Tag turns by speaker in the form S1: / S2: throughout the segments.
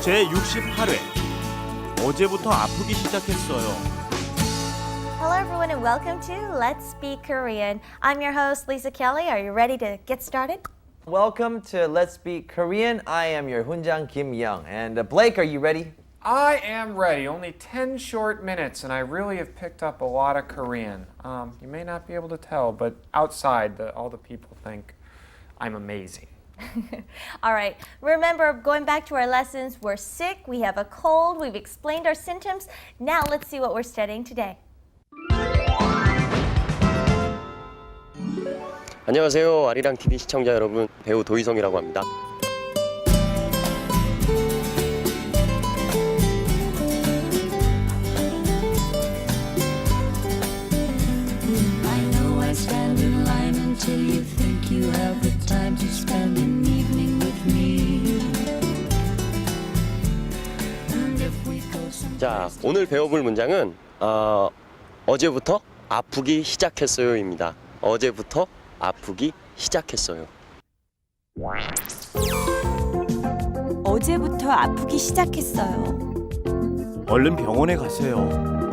S1: 제68회 어제부터 아프기 시작했어요.
S2: Hello everyone and welcome to Let's Speak Korean. I'm your host Lisa Kelly. Are you ready to get started?
S3: Welcome to Let's Speak Korean. I am your Hunjang Kim Young. And Blake, are you ready?
S4: I am ready. Only 10 short minutes, and I really have picked up a lot of Korean. You may not be able to tell, but outside, all the people think I'm amazing.
S2: All right. Remember, going back to our lessons, we're sick, we have a cold, we've explained our symptoms. Now let's see what we're studying today.
S5: 안녕하세요. 아리랑 TV 시청자 여러분, 배우 도희성이라고 합니다.
S6: I know I stand in line until you think you have the time to spend an evening with me. And if we go someplace
S5: 자, 오늘 배워볼 문장은 어제부터 아프기 시작했어요입니다. 어제부터 아프기 시작했어요.
S7: 어제부터 아프기 시작했어요.
S1: 얼른 병원에 가세요.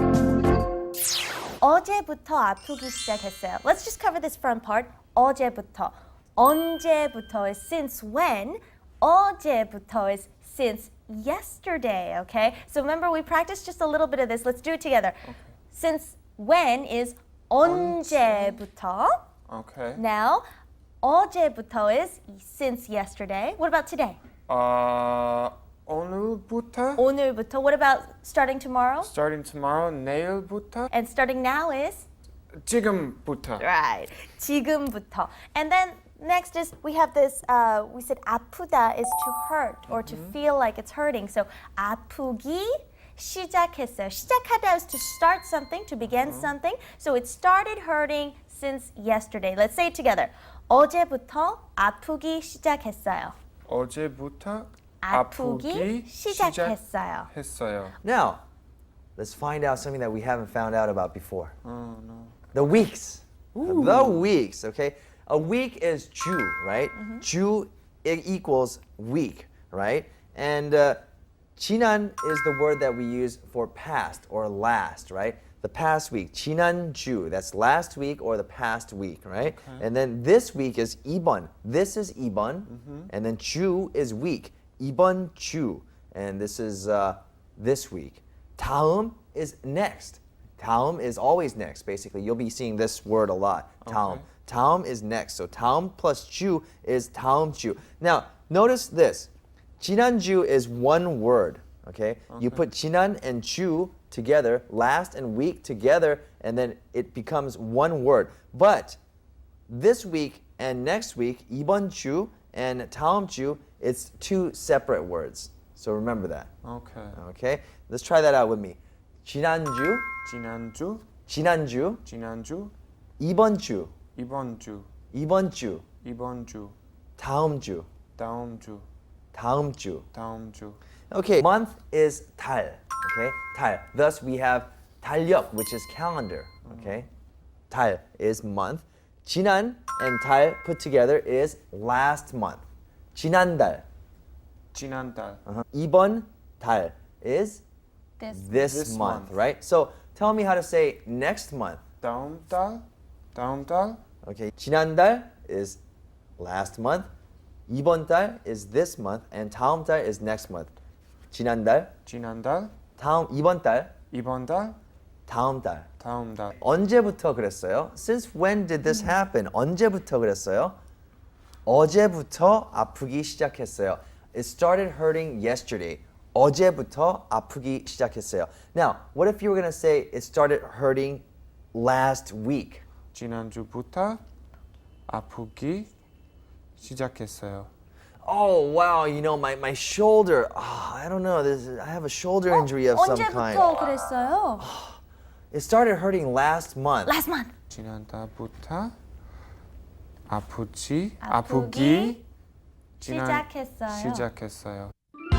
S2: 어제부터 아프기 시작했어요. Let's just cover this front part. 어제부터. 언제부터 is since when. 어제부터 is since yesterday, okay? So remember we practiced just a little bit of this. Let's do it together. Okay. Since when is 언제부터.
S4: Okay.
S2: Now, 어제부터 is since yesterday. What about today?
S4: 오늘부터?
S2: 오늘부터. What about starting tomorrow?
S4: Starting tomorrow, 내일부터?
S2: And starting now is?
S4: 지금부터.
S2: Right. 지금부터. And then next is we have this, we said 아프다 is to hurt or to feel like it's hurting. So 아프기 시작했어요. 시작하다 is to start something, to begin something. So it started hurting since yesterday. Let's say it together. 어제부터 아프기 시작했어요.
S4: 어제부터
S2: 아프기 시작했어요.
S4: 시작했어요.
S3: Now, let's find out something that we haven't found out about before.
S4: Oh, no.
S3: The weeks. The weeks, okay? A week is 주, right? 주 equals week, right? And 지난 is the word that we use for past or last, right? The past week, 지난주, that's last week or the past week, right? Okay. And then this week is 이번. This is 이번, and then 주 is week. 이번 주, and this is this week. 다음 is next. 다음 is always next, basically. You'll be seeing this word a lot. 다음.
S4: Okay.
S3: 다음 is next. So 다음 plus 주 is 다음 주. Now, notice this. 지난주 is one word, okay? You put 지난 and 주 together, last and week together, and then it becomes one word. But this week and next week, 이번 주 and 다음 주, it's two separate words. So remember that.
S4: Okay.
S3: Okay? Let's try that out with me. 지난주,
S4: 지난주,
S3: 지난주,
S4: 지난주,
S3: 이번 주,
S4: 이번 주,
S3: 이번 주,
S4: 이번 주,
S3: 다음 주,
S4: 다음 주,
S3: 다음 주.
S4: 다음 주.
S3: Okay, month is 달. Okay, 달. Thus we have 달력, which is calendar. Okay, 달 is month. 지난 and 달 put together is last month. 지난달.
S4: 지난달.
S3: 이번 달 is
S2: This.
S3: this month, right? So tell me how to say next month.
S4: 다음 달, 다음 달,
S3: Okay, 지난달 is last month. 이번 달 is this month, and 다음 달 is next month. 지난달,
S4: 지난달,
S3: 이번 달,
S4: 이번 달,
S3: 다음 달.
S4: 다음 달.
S3: 언제부터 그랬어요? Since when did this happen? 언제부터 그랬어요? 어제부터 아프기 시작했어요. It started hurting yesterday. 어제부터 아프기 시작했어요. Now, what if you were going to say it started hurting last week?
S4: 지난주부터 아프기 시작했어요.
S3: Oh, wow, you know, my shoulder. I don't know. I have a shoulder injury of some kind.
S2: 언제부터 그랬어요?
S3: It started hurting last month.
S2: Last month.
S4: 지난달부터 아프기
S2: 시작했어요.
S4: 시작했어요.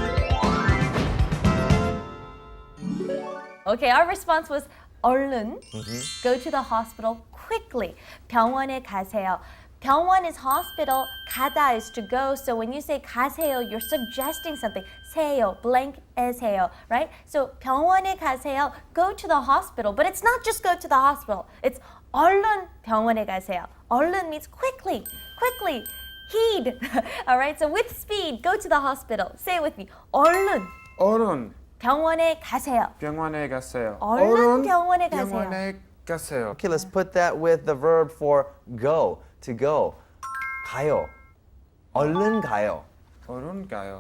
S2: Okay, our response was 얼른 go to the hospital quickly. 병원에 가세요. 병원 is hospital, 가다 is to go. So when you say 가세요, you're suggesting something. 세요, blank is 해요, right? So 병원에 가세요, go to the hospital. But it's not just go to the hospital. It's 얼른 병원에 가세요. 얼른 means quickly, quickly. Heed. All right, so with speed, go to the hospital. Say it with me. 얼른
S4: 얼른
S2: 병원에 가세요.
S4: 병원에 가세요.
S2: 얼른 병원에 가세요.
S4: 병원에 가세요.
S3: Okay, let's put that with the verb for go, to go. 가요. 얼른 가요.
S4: 얼른 가요.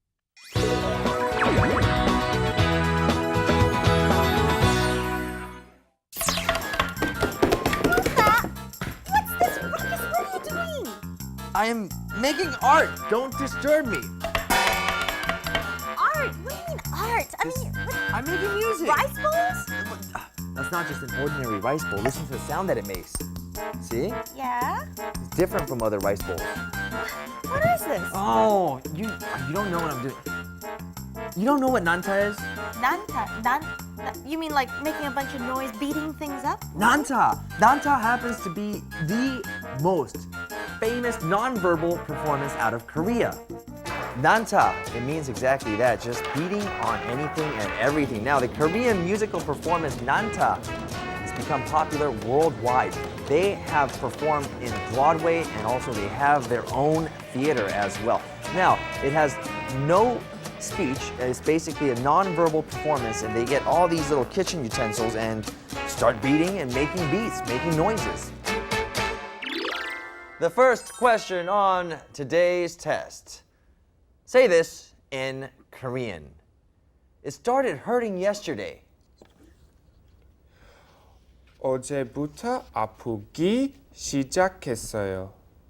S2: What's this ruckus? What are you doing?
S3: I am making art. Don't disturb me.
S2: Art? What do you mean art? I mean, what,
S3: I'm making music.
S2: rice bowls?
S3: That's not just an ordinary rice bowl. Listen to the sound that it makes. See?
S2: Yeah.
S3: It's different from other rice bowls.
S2: What is this?
S3: Oh, you don't know what I'm doing. You don't know what nanta is?
S2: You mean like making a bunch of noise, beating things up?
S3: Nanta. Nanta happens to be the most famous nonverbal performance out of Korea. Nanta, it means exactly that, just beating on anything and everything. Now, the Korean musical performance Nanta has become popular worldwide. They have performed in Broadway and also they have their own theater as well. Now, it has no speech. It's basically a nonverbal performance and they get all these little kitchen utensils and start beating and making beats, making noises. The first question on today's test. Say this in Korean. It started hurting yesterday.
S4: 어제부터 아프기 시작했어요.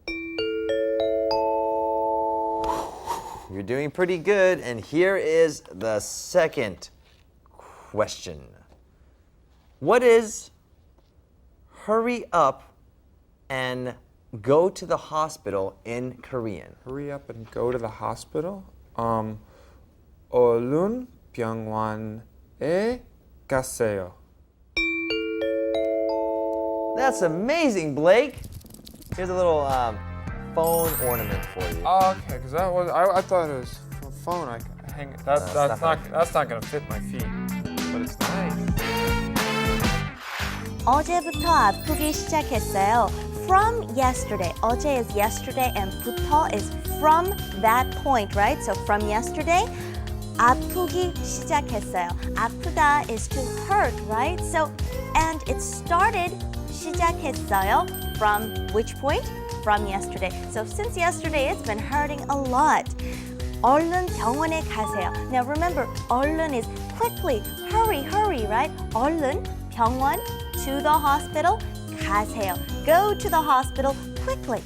S3: You're doing pretty good. And here is the second question. What is hurry up and go to the hospital in Korean?
S4: Hurry up and go to the hospital. 얼른 병원에 가세요.
S3: That's amazing, Blake. Here's a little phone ornament for you.
S4: Okay, because I thought it was a phone. I hang it. That's not gonna fit my feet, but it's nice.
S2: 어제부터 아프기 시작했어요. From yesterday. 어제 is yesterday and 부터 is from that point, right? So from yesterday, 아프기 시작했어요. 아프다 is to hurt, right? So, and it started 시작했어요 from which point? From yesterday. So since yesterday, it's been hurting a lot. 얼른 병원에 가세요. Now remember, 얼른 is quickly, hurry, hurry, right? 얼른 병원, to the hospital, 가세요. Go to the hospital quickly.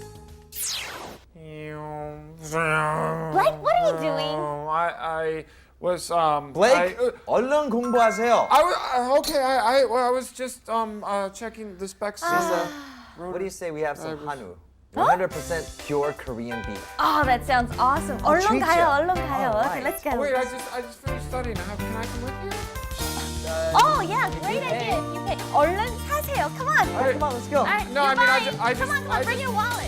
S2: Blake, what are you doing?
S4: I was
S3: Blake, 얼른 공부하세요.
S4: I was just checking the specs.
S3: What do you say we have some Hanu? 100% pure Korean beef.
S2: Oh, that sounds awesome. 얼른
S3: treat
S2: 가요,
S3: you.
S2: 얼른 가요.
S3: All
S2: Okay,
S3: right.
S2: let's go.
S4: Wait, I just finished studying. Can I come with you?
S2: Oh, yeah, great idea. You pay. 얼른 사세요. Come on.
S3: All right, come on, let's go.
S2: All right,
S4: No, I
S2: you're
S4: mean,
S2: buying.
S4: I
S2: Come on,
S4: just
S2: bring your wallet.